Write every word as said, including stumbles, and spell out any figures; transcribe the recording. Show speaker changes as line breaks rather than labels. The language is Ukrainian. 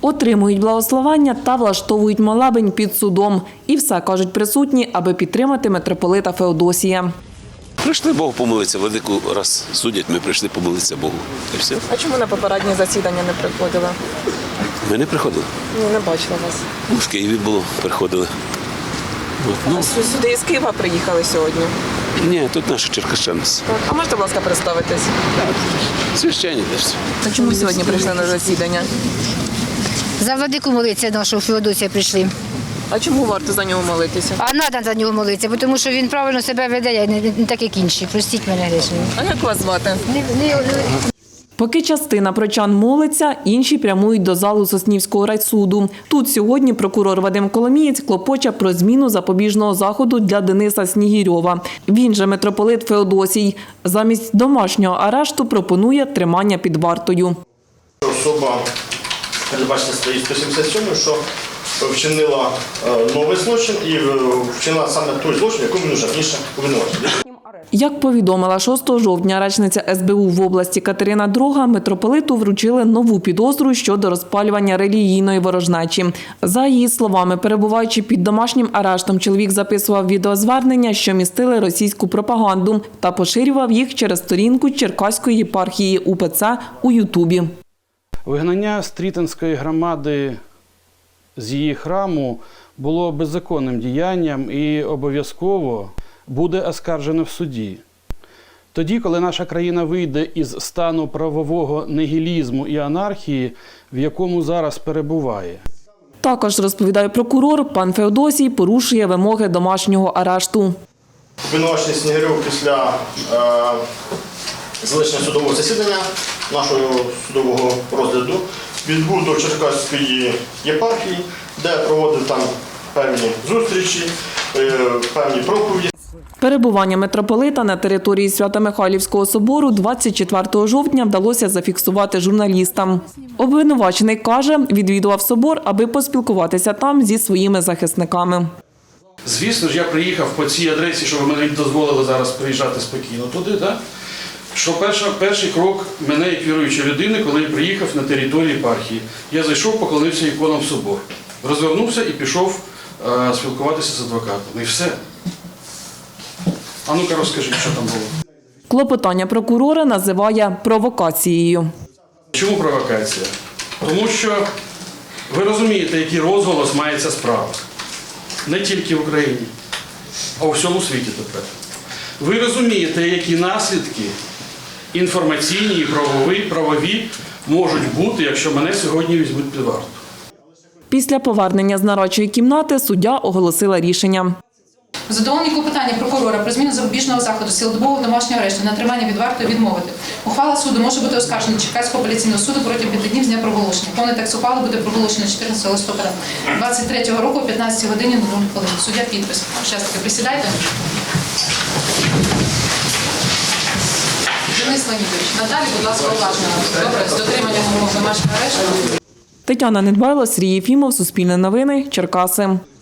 Отримують благословення та влаштовують молебень під судом. І все, кажуть присутні, аби підтримати митрополита Феодосія.
Прийшли Богу помолитися. Владику раз судять, ми прийшли помолитися Богу. І все.
А чому на попереднє засідання не приходили?
Ми не приходили.
Ні, не бачила вас.
В Києві було, приходили. От, ну,
Сюди із Києва приїхали сьогодні.
ні, тут наші черкащани.
А можете, будь ласка, представитись?
Священні теж.
А чому сьогодні прийшли на засідання?
За владику молитися нашого Феодосія прийшли.
А чому варто за нього молитися?
А треба за нього молитися, тому що він правильно себе веде, не, не так як інші. Простіть мене грішні.
А як вас звати?
Не, не, не.
Поки частина прочан молиться, інші прямують до залу Соснівського райсуду. Тут сьогодні прокурор Вадим Коломієць клопоче про зміну запобіжного заходу для Дениса Снігірьова. Він же митрополит Феодосій. Замість домашнього арешту пропонує тримання під вартою.
Особа, передбачена статтею сто сімдесят сім, що вчинила новий злочин і вчинила саме той злочин, якому він вже раніше обвинувачений.
Як повідомила шостого жовтня речниця ес бе у в області Катерина Дрога, митрополиту вручили нову підозру щодо розпалювання релігійної ворожнечі. За її словами, перебуваючи під домашнім арештом, чоловік записував відеозвернення, що містили російську пропаганду, та поширював їх через сторінку Черкаської єпархії у пе це у Ютубі.
Вигнання Стрітинської громади з її храму було беззаконним діянням і обов'язково буде оскаржено в суді. Тоді, коли наша країна вийде із стану правового нігілізму і анархії, в якому зараз перебуває.
Також, розповідає прокурор, пан Феодосій порушує вимоги домашнього арешту.
Обвинувачений Снігирьов після е, залишення судового засідання, нашого судового розгляду, відбув до Черкаської єпархії, де проводив там певні зустрічі, е, певні проповіді.
Перебування митрополита на території Свято-Михайлівського собору двадцять четвертого жовтня вдалося зафіксувати журналістам. Обвинувачений каже, відвідував собор, аби поспілкуватися там зі своїми захисниками.
Звісно ж, я приїхав по цій адресі, що ви мені дозволили зараз приїжджати спокійно туди, так? Що перша, перший крок мене, як віруючої людини, коли я приїхав на територію єпархії. Я зайшов, поклонився іконам в собор, розвернувся і пішов е, спілкуватися з адвокатом. І все. А ну-ка розкажіть, що там було.
Клопотання прокурора називає провокацією.
Чому провокація? Тому що ви розумієте, який розголос має ця справа. Не тільки в Україні, а у всьому світі тепер. Ви розумієте, які наслідки інформаційні і правові, правові можуть бути, якщо мене сьогодні візьмуть під варту.
Після повернення з нарадчої кімнати суддя оголосила рішення.
Задоволені клопотання прокурора про зміну запобіжного заходу з цілодобового домашнього арешту на тримання під вартою відмовити. Ухвала суду може бути оскаржена Черкаського апеляційного суду протягом п'яти днів з дня проголошення. Повний текст ухвали буде проголошено чотирнадцятого листопада двадцять третього року о п'ятнадцятій годині нуль хвилин. Суддя підпис. Щастя, присідайте. Денис Леонідович, надалі, будь ласка, уважно. Добре, з дотриманням умов домашнього арешту.
Тетяна Недбайло, Сергій Єфімов, Суспільне новини, Черкаси.